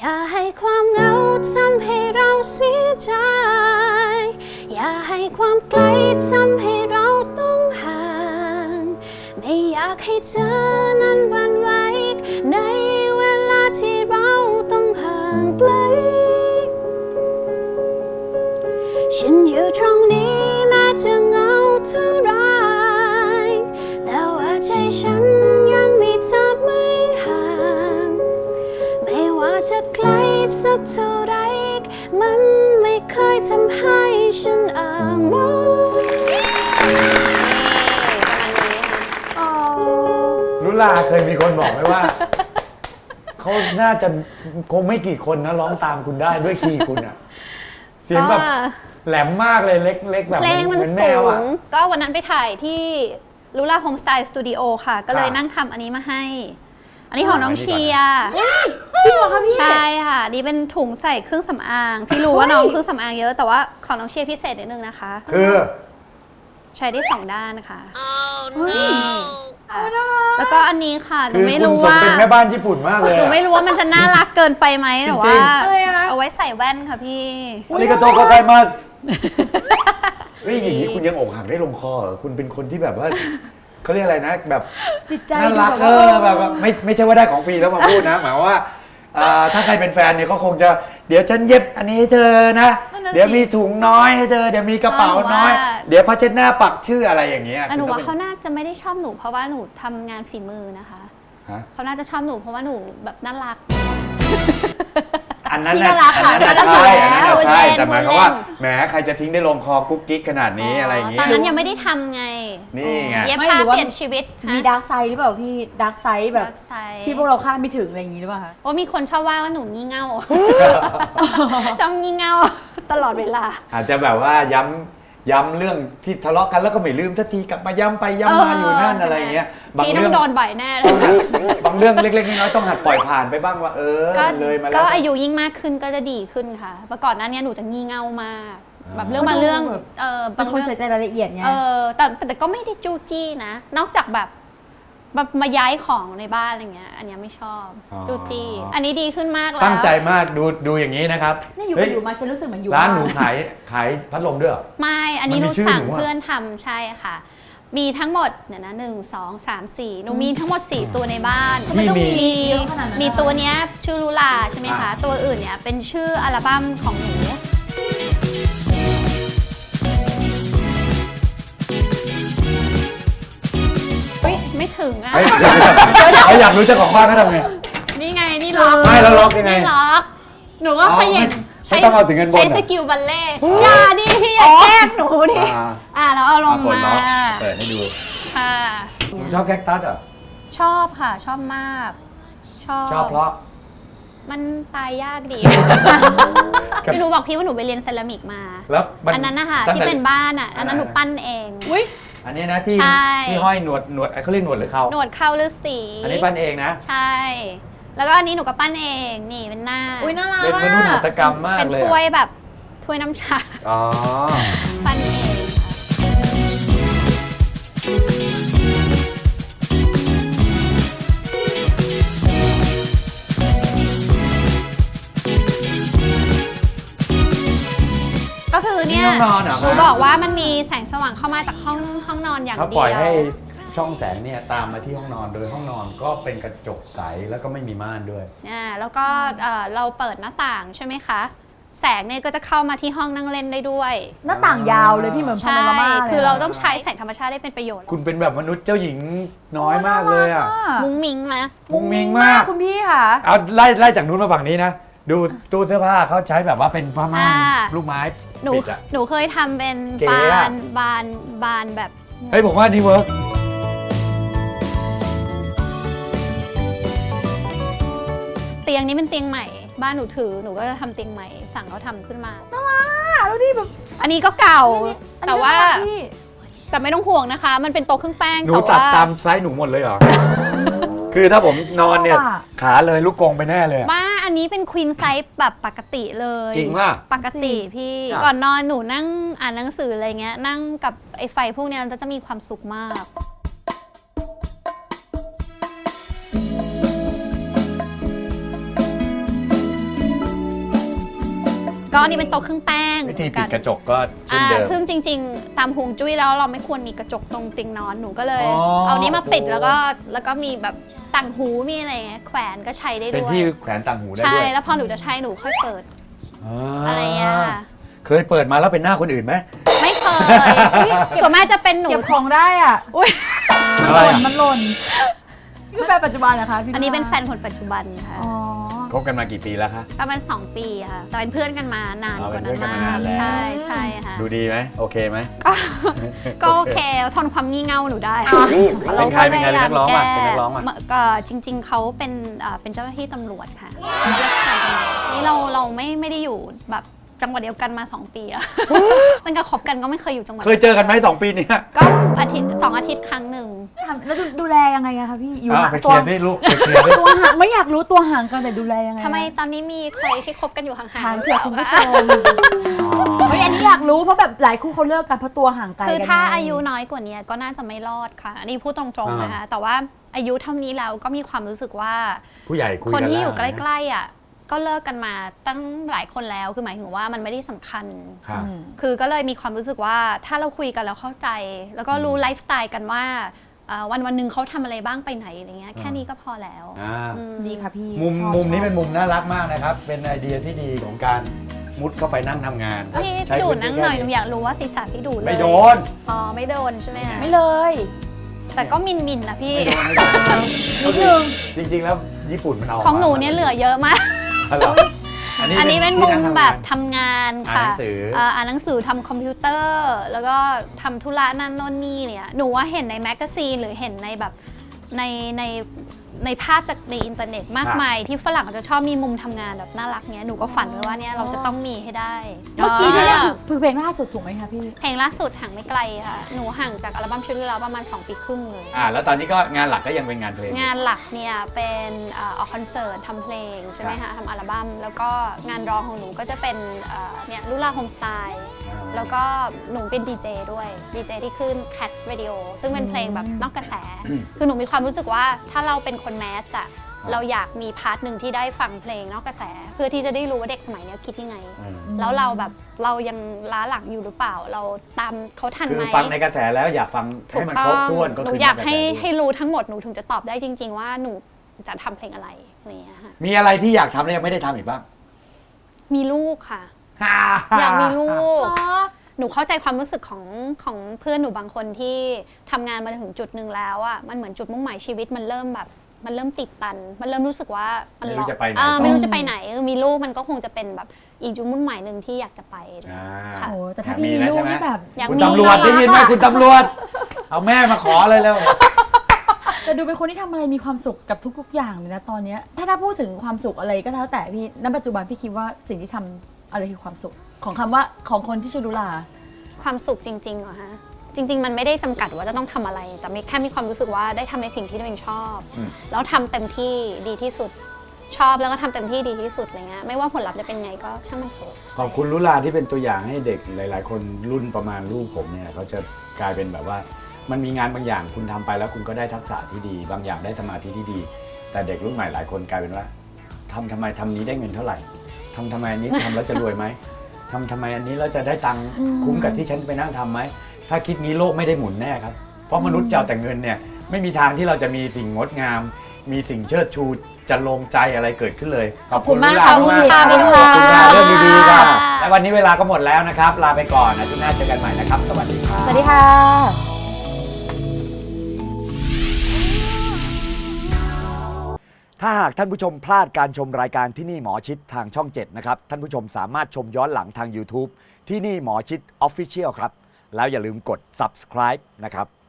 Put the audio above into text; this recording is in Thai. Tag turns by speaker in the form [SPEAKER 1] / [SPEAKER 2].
[SPEAKER 1] อย่าให้ความเหงาทำให้เราเสียใจอย่าให้ความไกลทำให้เราต้องห่างไม่อยากให้เธอนั้นหวั่นไหวในเวลาที่เราต้องห่างไกลฉันอยู่ตรงนี้แม้จะเหงาเท่าไรแต่ว่าใจฉันยังมีเธอไม่ห่างไม่ว่าจะไกลสักเท่าไรมันไม่เคยทำให้ฉันอ้างว้าง
[SPEAKER 2] ลุลาเคยมีคนบอกไหมว่า เขาน่าจะคงไม่กี่คนนะร้องตามคุณได้ด้วยคีย์คุณอะเสียงแบบแหลมมากเลยเล็กๆแบบ
[SPEAKER 1] เพลงมันสูงก็วันนั้นไปถ่ายที่ลูล่าโฮมสไตล์สตูดิโอค่ะก็เลยนั่งทำอันนี้มาให้อันนี้ของน้องเชียร์
[SPEAKER 3] จริงเหรอคะพี่
[SPEAKER 1] ใช่ค่ะนี่เป็นถุงใส่เครื่องสำอางพี่รู้ว่าน้องเครื่องสำอางเยอะแต่ว่าของน้องเชียร์พิเศษนิดนึงนะคะ
[SPEAKER 2] คือ
[SPEAKER 1] ใช้ได้2 ด้านนะคะแล้วก็อันนี้ค่ะหนูไม่รู้ว่า
[SPEAKER 2] เป็นแม่บ้านญี่ปุ่นมากเลย
[SPEAKER 1] หนูไม่รู้ว่ามันจะน่ารักเกินไปไหมแต่ว่าเอาไว้ใส่แว่นค่ะพี่
[SPEAKER 2] อาริกาโตโกไซมัสเฮ้ยอย่างนี้คุณยังอกหักได้ลงคอเหรอคุณเป็นคนที่แบบว่าเขาเรียกอะไรนะแบบ
[SPEAKER 3] จิตใจ
[SPEAKER 2] น่ารักแบบไม่ใช่ว่าได้ของฟรีแล้วมาพูดนะหมายว่าถ้าใครเป็นแฟนเนี่ยก็คงจะเดี๋ยวฉันเย็บอันนี้ให้เธอนะเดี๋ยวมีถุงน้อยให้เธอเดี๋ยวมีกระเป๋าน้อยเดี๋ยวผ้าเช็ดหน้าปักชื่ออะไรอย่างเงี้ย
[SPEAKER 1] หนูว่าเขาน่าจะไม่ได้ชอบหนูเพราะว่าหนูทำงานฝีมือนะคะเขาน่าจะชอบหนูเพราะว่าหนูแบบน่ารัก
[SPEAKER 2] อันนั้นน่ะใช่แต่หมายความว่าแหมใครจะทิ้งได้ลงคอกุ๊กกิ๊กขนาดนี้อะไรอย่างเงี้ย
[SPEAKER 1] ตอนนั้นยังไม่ได้ทำไง
[SPEAKER 2] นี่ไง
[SPEAKER 1] เย็บผ้าเปลี่ยนชีวิต
[SPEAKER 3] มีดาร์กไซด์หรือเปล่าพี่ดาร์กไซด์แบบที่พวกเราคาดไม่ถึงอะไรอย่างงี้หรือเปล่าคะ
[SPEAKER 1] โอ้มีคนชอบว่าหนูงี่เง่าชอบงี่เง่าตลอดเวลา
[SPEAKER 2] อาจจะแบบว่าย้ำเรื่องที่ทะเลาะกันแล้วก็ไม่ลืมสักทีกลับมาย้ำไปย้ำมาอยู่นั่นอะไรอย่างเงี้ย
[SPEAKER 1] บางเรื่องโดนบ่อยแน่เลย
[SPEAKER 2] บางเรื่องเล็กๆน้อยๆต้องหัดปล่อยผ่านไปบ้างว่าเลยมาแล้ว
[SPEAKER 1] ก็อายุยิ่งมากขึ้นก็จะดีขึ้นค่ะเมื่อก่อนหน้านี้หนูจะงี่เง่ามากแบบเรื่องบางเรื่อง
[SPEAKER 3] บางคนใส่ใจรายละเอียดไง
[SPEAKER 1] แต่ก็ไม่ได้จู้จี้นะนอกจากแบบมาย้ายของในบ้านอะไรเงี้ยอันนี้ไม่ชอบจู้จี้อันนี้ดีขึ้นมากแล้ว
[SPEAKER 2] ตั้งใจมากดูอย่างนี้นะครับ
[SPEAKER 3] นี่อยู่มาฉันรู้สึกเหมือนอยู่
[SPEAKER 2] ร้านหนูขายพัดลมด้วย
[SPEAKER 1] ไม่อันนี้หนูสั่งเพื่อนทำใช่ค่ะมีทั้งหมดเนี่ยนะ1 2 3 4หนูมีทั้งหมด4ตัวในบ้านมีตัวเนี้ยชื่อลูลาใช่ไหมคะตัวอื่นเนี่ยเป็นชื่ออัลบั้มของหนูไม่ถึงอ่ะ
[SPEAKER 2] อยากรู้เจ้าของบ้านเขาทำไง
[SPEAKER 1] นี่ไงนี่ล็อก
[SPEAKER 2] ไม่แล้วล็อกยังไง
[SPEAKER 1] นี่ล็อกหนูก็ขยัน
[SPEAKER 2] ใช้ต้องเอาถึงเงินบน
[SPEAKER 1] ใช้สกิลบัลเล่อย่าดิพี่อย่าแกล้งหนูดิแล้วเอาลงมา
[SPEAKER 2] เปิดให้ดู
[SPEAKER 1] ค่ะ
[SPEAKER 2] หนูชอบแคคตัสอ่ะ
[SPEAKER 1] ชอบค่ะชอบมาก
[SPEAKER 2] ชอบเพราะ
[SPEAKER 1] มันตายยากดีพี่รู้บอกพี่ว่าหนูไปเรียนเซรามิกมา
[SPEAKER 2] แล้ว
[SPEAKER 1] อันนั้นนะคะที่เป็นบ้านอ่ะอันนั้นหนูปั้นเอง
[SPEAKER 2] อันนี้นะที่ห้อยหนวดเขาเรียกหนวดหรือเขา
[SPEAKER 1] หนวดเขาฤาษี
[SPEAKER 2] อันนี้ปั้นเองนะ
[SPEAKER 1] ใช่แล้วก็อันนี้หนูก็ปั้นเองนี่เป็นหน้า
[SPEAKER 3] น่ารัก
[SPEAKER 2] เป็นมนุษย์หัตถกรรมมากเลย
[SPEAKER 1] เป็นถ้วยแบบถ้วยน้ำชาปั้นเองก็คือเนี่ยหนูบอกว่ามันมีแสงสว่างเข้ามาจากห้องนอนอย่างเดียว
[SPEAKER 2] เขาปล่อยให้ช่องแสงเนี่ยตามมาที่ห้องนอนโดยห้องนอนก็เป็นกระจกใสแล้วก็ไม่มีม่านด้วย
[SPEAKER 1] แล้วก็เราเปิดหน้าต่างใช่ไหมคะแสงเนี่ยก็จะเข้ามาที่ห้องนั่งเล่นได้ด้วย
[SPEAKER 3] หน้าต่างยาวเลยพี่เหมือนพาโนรามา
[SPEAKER 1] คือเราต้องใช้แสงธรรมชาติได้เป็นประโยชน์
[SPEAKER 2] คุณเป็นแบบมนุษย์เจ้าหญิงน้อยมากเลยอ่ะ
[SPEAKER 1] มุ้งมิ้งไหม
[SPEAKER 2] มุ้งมิ้งมาก
[SPEAKER 3] คุณพี่ค่ะ
[SPEAKER 2] เอาไล่จากนู้นมาฝั่งนี้นะดูตู้เสื้อผ้าเขาใช้แบบว่าเป็นผ้าม่านลูกไม้
[SPEAKER 1] หนูเคยทำเป็นบานแบบ
[SPEAKER 2] เฮ้ยผมว่านี่เวิร์ก
[SPEAKER 1] เตียงนี้เป็นเตียงใหม่บ้านหนูถือหนูก็จะทำเตียงใหม่สั่งเขาทำขึ้นมา
[SPEAKER 3] น่ารักแล้วนี่แบบ
[SPEAKER 1] อันนี้ก็เก่าแต่ว่าแต่ไม่ต้องห่วงนะคะมันเป็นโต๊ะเครื่องแป้ง
[SPEAKER 2] หนูตัดตามไซส์หนูหมดเลยเหรอคือถ้าผมนอนเนี่ยขาเลยลูกกงไปแน่เลย
[SPEAKER 1] ว่าอันนี้เป็นควีนไซส์แบบปกติเลย
[SPEAKER 2] จริงว่า
[SPEAKER 1] ปกติพี่ก่อนนอนหนูนั่งอ่านหนังสืออะไรเงี้ยนั่งกับไอ้ไฟพวกนี้จะมีความสุขมากก็อันนี่เป็นโต๊ะเครื่องแป้ง
[SPEAKER 2] วิธีปิดกระจกก็เช่นเดิม
[SPEAKER 1] ซึ่งจริงๆ ตามฮวงจุ้ยแล้วเราไม่ควรมีกระจกตรงเตียงนอนหนูก็เลย
[SPEAKER 2] อ๋อ
[SPEAKER 1] เอานี้มาปิดแล้วก็มีแบบต่างหูมีอะไรเงี้ยแขวนก็ใช้ได้
[SPEAKER 2] เป็น
[SPEAKER 1] ด้วย
[SPEAKER 2] ที่แขวนต่างหูได้
[SPEAKER 1] ใช่
[SPEAKER 2] ด้วย
[SPEAKER 1] แล้วพอหนูจะใช้หนูค่อยเปิดอะไรเงี้ยค่ะ
[SPEAKER 2] เคยเปิดมาแล้วเป็นหน้าคนอื่นไหม
[SPEAKER 1] ไม่เคยส่วนมากจะเป็นหนู
[SPEAKER 3] เก็บของได้อ่ะ
[SPEAKER 1] อุ๊ย
[SPEAKER 2] อะไรอ่ะ
[SPEAKER 3] มันหล่นนี่คือแฟนปัจจุบันเหรอคะพี่
[SPEAKER 1] อันนี้เป็นแฟนคนปัจจุบันค่ะ
[SPEAKER 3] อ๋อ
[SPEAKER 2] คบกันมากี่ปีแล้วคะ
[SPEAKER 1] ประมาณ2 ปีค่ะแต่เป็นเพื่อนกันมานาน
[SPEAKER 2] อ๋อก
[SPEAKER 1] ว่า
[SPEAKER 2] เป็นเพื่
[SPEAKER 1] นั้
[SPEAKER 2] อน นกันมานานแล้ว
[SPEAKER 1] ใช่ใช่ค่ะ
[SPEAKER 2] ดูดีไหมโอเคไหม
[SPEAKER 1] ก็โอเคทนความงี่เง่าหนูได้
[SPEAKER 2] เป็นใครเป็นนักร้องป่ะเป็นนักร้องป่ะ
[SPEAKER 1] ก็จริง ๆเขาเป็นเจ้าหน้าที่ตำรวจค่ะนี่เราไม่ได้อยู่แบบจังหวัดเดียวกันมา2 ปีแล้วตั้งแต่คบกันก็ไม่เคยอยู่จังหวัด
[SPEAKER 2] เคยเจอกันไหม2 ปีเนี้ย
[SPEAKER 1] ก็2 อาทิตย์ครั้งหนึ่ง
[SPEAKER 3] แล้วดูแลยังไงอะคะพี่อยู่
[SPEAKER 2] ไปเค
[SPEAKER 3] ตัว
[SPEAKER 2] ลียร์สิลูกไปเคลียร์สิ
[SPEAKER 3] ตัวห่างไม่อยากรู้ตัวห่างกันแต่ดูแลยังไง
[SPEAKER 1] ทำไมตอนนี้มีใครที่คบกันอยู่ห่างๆ
[SPEAKER 3] ถามเผื่อคุณผู้ชมเฮ้ยอันนี้อยากรู้เพราะแบบหลายคู่เขาเลิกกันเพราะตัวห่างไกลกัน
[SPEAKER 1] คือถ้า
[SPEAKER 3] ไง
[SPEAKER 1] อายุน้อยกว่านี้ก็น่าจะไม่รอดค่ะอันนี้พูดตรงๆนะคะแต่ว่าอายุเท่านี้แล้วก็มีความรู้สึกว่า
[SPEAKER 2] ผู้ใหญ่คุย
[SPEAKER 1] คน
[SPEAKER 2] กัน
[SPEAKER 1] ที่
[SPEAKER 2] แล้ว
[SPEAKER 1] อยู่ใกล้ๆอ่ะก็เลิกกันมาตั้งหลายคนแล้วคือหมายถึงว่ามันไม่ได้สำคัญ
[SPEAKER 2] ค่ะ
[SPEAKER 1] คือก็เลยมีความรู้สึกว่าถ้าเราคุยกันแล้วเข้าใจ แล้วก็รู้ไลฟ์สไตล์กันว่าวันหนึ่งเขาทำอะไรบ้างไปไหนอะไรเงี้ยแค่นี้ก็พอแล้ว
[SPEAKER 2] อ่า
[SPEAKER 3] ดีค่ะพี่
[SPEAKER 2] มุม
[SPEAKER 3] ชอบ
[SPEAKER 2] มุมนี้เป็นมุมน่ารักมากนะครับ เป็นไอเดียที่ดีของการมุดเข้าไปนั่งทำงาน
[SPEAKER 1] พี่
[SPEAKER 2] ใช้
[SPEAKER 1] ดู
[SPEAKER 2] พื้
[SPEAKER 1] ดนั่ง
[SPEAKER 2] ที่
[SPEAKER 1] หน่อยห
[SPEAKER 2] แค่
[SPEAKER 1] นูอยากรู้ว่าศีรษะพี่ดูดเลย
[SPEAKER 2] ไม่โดน
[SPEAKER 1] อ๋อไม่โดนใช่ไหมคะ
[SPEAKER 3] ไม่เลย
[SPEAKER 1] แต่ก็มินนะพี่
[SPEAKER 2] ไม่โดน
[SPEAKER 3] นิดนึง
[SPEAKER 2] จริงๆแล้วญี่ปุ่นมันเอา
[SPEAKER 1] ของหนูเนี่ยเหลือเยอะมาก
[SPEAKER 2] เหรอ
[SPEAKER 1] อันนี้เป็นมุมแบบทำงาน
[SPEAKER 2] อ่าน
[SPEAKER 1] ค่ะ
[SPEAKER 2] หนังสือ
[SPEAKER 1] อ่านหนังสือทำคอมพิวเตอร์ แล้วก็ทำธุระนั่นโน่นนี่เนี่ยหนูว่าเห็นในแมกกาซีนหรือเห็นในแบบในภาพจากในอินเทอร์เน็ตมากมายที่ฝรั่งจะชอบมีมุมทำงานแบบน่ารักเนี้ยหนูก็ฝันไว้ว่าเนี่ยเราจะต้องมีให้ได้
[SPEAKER 3] เมื่อกี้ที่เล่นคือเพลงล่าสุดถูกไหมคะพี่
[SPEAKER 1] เพลงล่าสุดห่างไม่ไกลค่ะหนูห่างจากอัลบั้มชุดที่แล้วประมาณ2 ปีครึ่งเลย
[SPEAKER 2] แล้วตอนนี้ก็งานหลักก็ยังเป็นงานเพลง
[SPEAKER 1] งานหลักเนี่ยเป็นออกคอนเสิร์ตทำเพลงใช่ไหมคะทำอัลบั้มแล้วก็งานร้องของหนูก็จะเป็นเนี่ยลุลาโฮมสไตล์แล้วก็หนูเป็นดีเจด้วยดีเจที่ขึ้น Cat Radio ซึ่งเป็นเพลงแบบนอกกระแส คือหนูมีความรู้สึกว่าถ้าเราเป็นคนแมสอะเราอยากมีพาร์ทหนึ่งที่ได้ฟังเพลงนอกกระแส เพื่อที่จะได้รู้ว่าเด็กสมัยนี้คิดยังไง แล้วเราแบบเรายังล้าหลังอยู่หรือเปล่า เราตามเขาทัน
[SPEAKER 2] คือ
[SPEAKER 1] ไหม
[SPEAKER 2] ฟังในกระแสแล้วอยากฟังให้มันครบถ้วนก็
[SPEAKER 1] หนู
[SPEAKER 2] คือ
[SPEAKER 1] อยาก
[SPEAKER 2] ในระแส
[SPEAKER 1] ให้รู้ทั้งหมดหนูถึงจะตอบได้จริง ๆ ว่าหนูจะทำเพลงอะไรอะไรอย่างเงี้ยค่ะ
[SPEAKER 2] มีอะไรที่อยากทำแล้วยังไม่ได้ทำอีกบ้าง
[SPEAKER 1] มีลูกค่ะ อยากมีลูก หนูเข้าใจความรู้สึกของเพื่อนหนูบางคนที่ทำงานมาถึงจุดหนึ่งแล้วอ่ะมันเหมือนจุดมุ่งหมายชีวิตมันเริ่มแบบมันเริ่มติดตัน มันเริ่มรู้สึกว่ามัน
[SPEAKER 2] ไม่รู้จะไปไหน
[SPEAKER 1] ไม่
[SPEAKER 2] ต่อ
[SPEAKER 1] รู้จะไปไหนมีลูกมันก็คงจะเป็นแบบอีกจุดมุ่งหมายหนึ่งที่อยากจะไป ค่ะ
[SPEAKER 3] โอ้แต่ถ้าพี่มีลูกนี่แบบ
[SPEAKER 1] อยาก
[SPEAKER 2] คุณ
[SPEAKER 1] มี
[SPEAKER 2] ตำรวจได้ยินไหมคุณตำรวจ เอาแม่มาขอเลยแล้ว
[SPEAKER 3] แต่ดูเป็นคนที่ทำอะไรมีความสุขกับทุกๆอย่างเลยนะตอนเนี้ยถ้าพูดถึงความสุขอะไรก็แล้วแต่พี่ณปัจจุบันพี่คิดว่าสิ่งที่ทำอะไรคือความสุขของคำว่าของคนที่ชื่อลุลา
[SPEAKER 1] ความสุขจริงๆเหรอฮะจริง ๆ มันไม่ได้จำกัดว่าจะต้องทำอะไร แต่แค่มีความรู้สึกว่าได้ทำในสิ่งที่ตัวเองชอบ แล้วทำเต็มที่ดีที่สุดชอบแล้วก็ทำเต็มที่ดีที่สุดอะไรเงี้ยไม่ว่าผลลัพธ์จะเป็นไงก็ช่างมันเถอะ
[SPEAKER 2] ขอบคุณลุลาที่เป็นตัวอย่างให้เด็กหลาย ๆ คนรุ่นประมาณลูกผมเนี่ยเขาจะกลายเป็นแบบว่ามันมีงานบางอย่างคุณทำไปแล้วคุณก็ได้ทักษะที่ดี บางอย่างได้สมาธิที่ดี แต่เด็กรุ่นใหม่หลายคนกลายเป็นว่าทำไมทำนี้ได้เงินเท่าไหร่ทำไมอันนี้ทำแล้วจะรวยไหมทำไมอันนี้เราจะได้ตังค์คุ้มกับที่ฉันไปนั่งทำไหมถ้าคิดนี้โลกไม่ได้หมุนแน่ครับเพราะมนุษย์เจ้าแต่เงินเนี่ยไม่มีทางที่เราจะมีสิ่งงดงาม มีสิ่งเชิดชูจะลงใจอะไรเกิดขึ้นเลย
[SPEAKER 3] ขอบคุณมาก
[SPEAKER 2] ลุล
[SPEAKER 3] ขอบคุณค่ะ
[SPEAKER 2] มาก
[SPEAKER 3] พี่ดุลา
[SPEAKER 2] ขอบคุณค่ะเรื่องดีๆค่ะและวันนี้เวลาก็หมดแล้วนะครับ ลาไปก่อนนะที่หน้าเจอกันใหม่นะครับ สวัสดีครับ
[SPEAKER 3] สวัสดีค่ะ
[SPEAKER 2] ถ้าหากท่านผู้ชมพลาดการชมรายการที่นี่หมอชิดทางช่อง 7 นะครับ ท่านผู้ชมสามารถชมย้อนหลังทาง YouTube ที่นี่หมอชิด Official ครับ แล้วอย่าลืมกด subscribe นะครับ